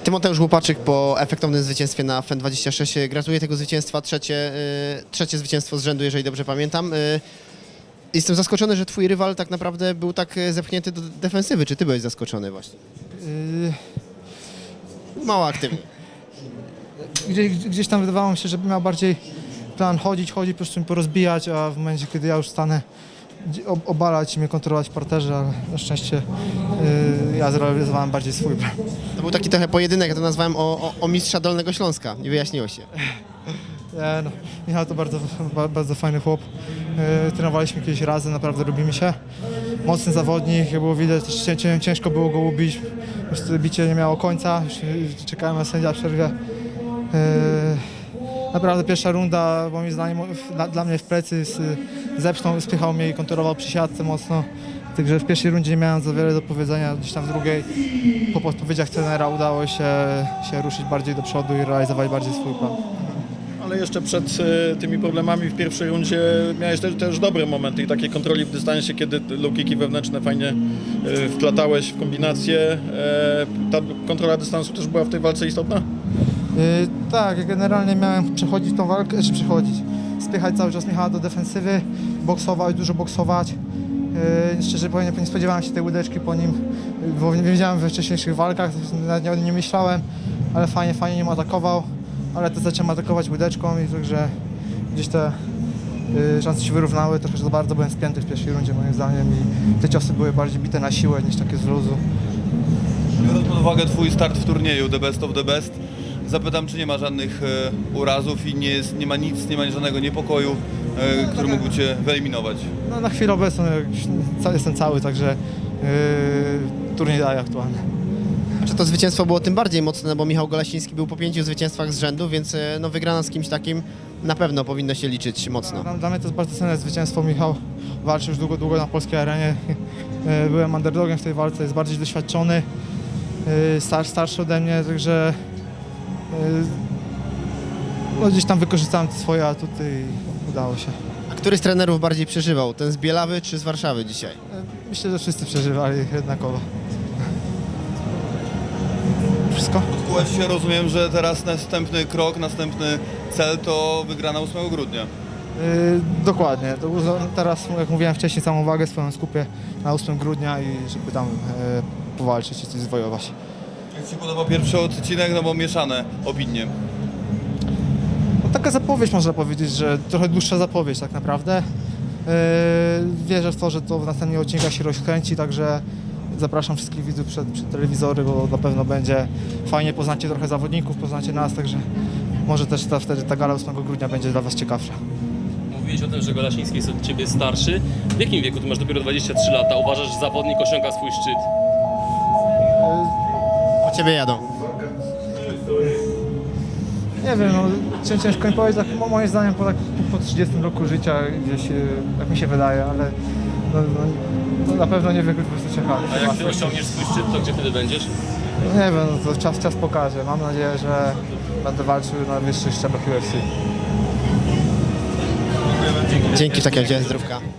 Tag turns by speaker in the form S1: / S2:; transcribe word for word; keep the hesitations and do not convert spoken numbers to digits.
S1: Tymoteusz Łupaczyk po efektownym zwycięstwie na F E N dwadzieścia sześć. Gratuluję tego zwycięstwa, trzecie, y, trzecie zwycięstwo z rzędu, jeżeli dobrze pamiętam. Y, Jestem zaskoczony, że twój rywal tak naprawdę był tak zepchnięty do defensywy. Czy ty byłeś zaskoczony właśnie?
S2: Yy,
S1: Mało aktywny.
S2: gdzieś, gdzieś tam wydawało mi się, że miał bardziej plan chodzić, chodzić, po prostu mi porozbijać, a w momencie, kiedy ja już stanę, ob- obalać i mnie kontrolować w parterze, ale na szczęście yy, ja zrealizowałem bardziej swój plan.
S1: To był taki trochę pojedynek, ja to nazwałem o, o, o mistrza Dolnego Śląska. Nie wyjaśniło się.
S2: Nie, no, Michał to bardzo, ba- bardzo fajny chłop. Yy, trenowaliśmy kiedyś razem, naprawdę lubimy się. Mocny zawodnik, jak było widać, też cię- cię- ciężko było go ubić. Po prostu bicie nie miało końca, już yy, czekałem na sędzia w przerwie. Yy, naprawdę pierwsza runda, moim zdaniem, dla, dla mnie w plecy z, zepchnął, spychał mnie i kontrolował przy siatce mocno. Także w pierwszej rundzie nie miałem za wiele do powiedzenia, gdzieś tam w drugiej po podpowiedziach trenera udało się, się ruszyć bardziej do przodu i realizować bardziej swój plan.
S3: Ale jeszcze przed e, tymi problemami w pierwszej rundzie miałeś też, też dobre momenty i takiej kontroli w dystansie, kiedy low kicki wewnętrzne fajnie e, wplatałeś w kombinację. E, ta kontrola dystansu też była w tej walce istotna?
S2: Yy, tak, ja generalnie miałem przechodzić tą walkę, czy przechodzić, spychać cały czas Michała do defensywy, boksować, dużo boksować. Yy, szczerze powiem, nie spodziewałem się tej łydeczki po nim, bo nie wiedziałem we wcześniejszych walkach, nawet nie, nie myślałem, ale fajnie, fajnie nim atakował, ale to zacząłem atakować łydeczką i także gdzieś te yy, szanse się wyrównały, trochę za bardzo byłem spięty w pierwszej rundzie moim zdaniem i te ciosy były bardziej bite na siłę niż takie z luzu.
S4: Biorąc pod uwagę twój start w turnieju The Best of the Best, zapytam, czy nie ma żadnych e, urazów i nie, jest, nie ma nic, nie ma żadnego niepokoju, e, który mógłby cię wyeliminować.
S2: No, na chwilę obecną już ca- jestem cały, także yy, turniej daje aktualnie.
S1: Czy to zwycięstwo było tym bardziej mocne, bo Michał Golasiński był po pięciu zwycięstwach z rzędu, więc e, no, wygrana z kimś takim na pewno powinno się liczyć mocno.
S2: Dla, dla mnie to jest bardzo cenne zwycięstwo. Michał walczy już długo, długo na polskiej arenie. Yy, Byłem underdogiem w tej walce, jest bardziej doświadczony, yy, star, starszy ode mnie, także yy, no, gdzieś tam wykorzystałem te swoje atuty i udało się.
S1: A który z trenerów bardziej przeżywał? Ten z Bielawy czy z Warszawy dzisiaj?
S2: Yy, Myślę, że wszyscy przeżywali jednakowo. Wszystko?
S4: Odkułeś się, rozumiem, że teraz następny krok, następny cel to wygrana ósmego grudnia.
S2: Yy, dokładnie. To uza- teraz, jak mówiłem wcześniej, całą uwagę swoją skupię na ósmego grudnia i żeby tam yy, powalczyć i coś zwojować.
S4: Jak ci podoba pierwszy odcinek, no bo mieszane opinie.
S2: No, taka zapowiedź, można powiedzieć, że trochę dłuższa zapowiedź tak naprawdę. Yy, wierzę w to, że to w następnych odcinkach się rozkręci, także zapraszam wszystkich widzów przed, przed telewizory, bo na pewno będzie fajnie, poznacie trochę zawodników, poznacie nas, także może też ta, wtedy ta gala ósmego grudnia będzie dla Was ciekawsza.
S5: Mówiłeś o tym, że Golasiński jest od Ciebie starszy. W jakim wieku? Ty masz dopiero dwadzieścia trzy lata. Uważasz, że zawodnik osiąga swój szczyt?
S1: Po ciebie jadą.
S2: Nie wiem, no, cię- ciężko mi powiedzieć, tak, mo- moim zdaniem po, tak, po trzydziestym roku życia gdzieś, yy, jak mi się wydaje, ale no, no, no, na pewno nie wiem, po prostu czekamy.
S5: A jak Ty osiągniesz swój szczyt, to gdzie wtedy będziesz?
S2: Nie wiem, no, to czas, czas pokaże. Mam nadzieję, że będę walczył na wyższych szczeblach U F C.
S1: Dzięki, w takim razie zdrówka.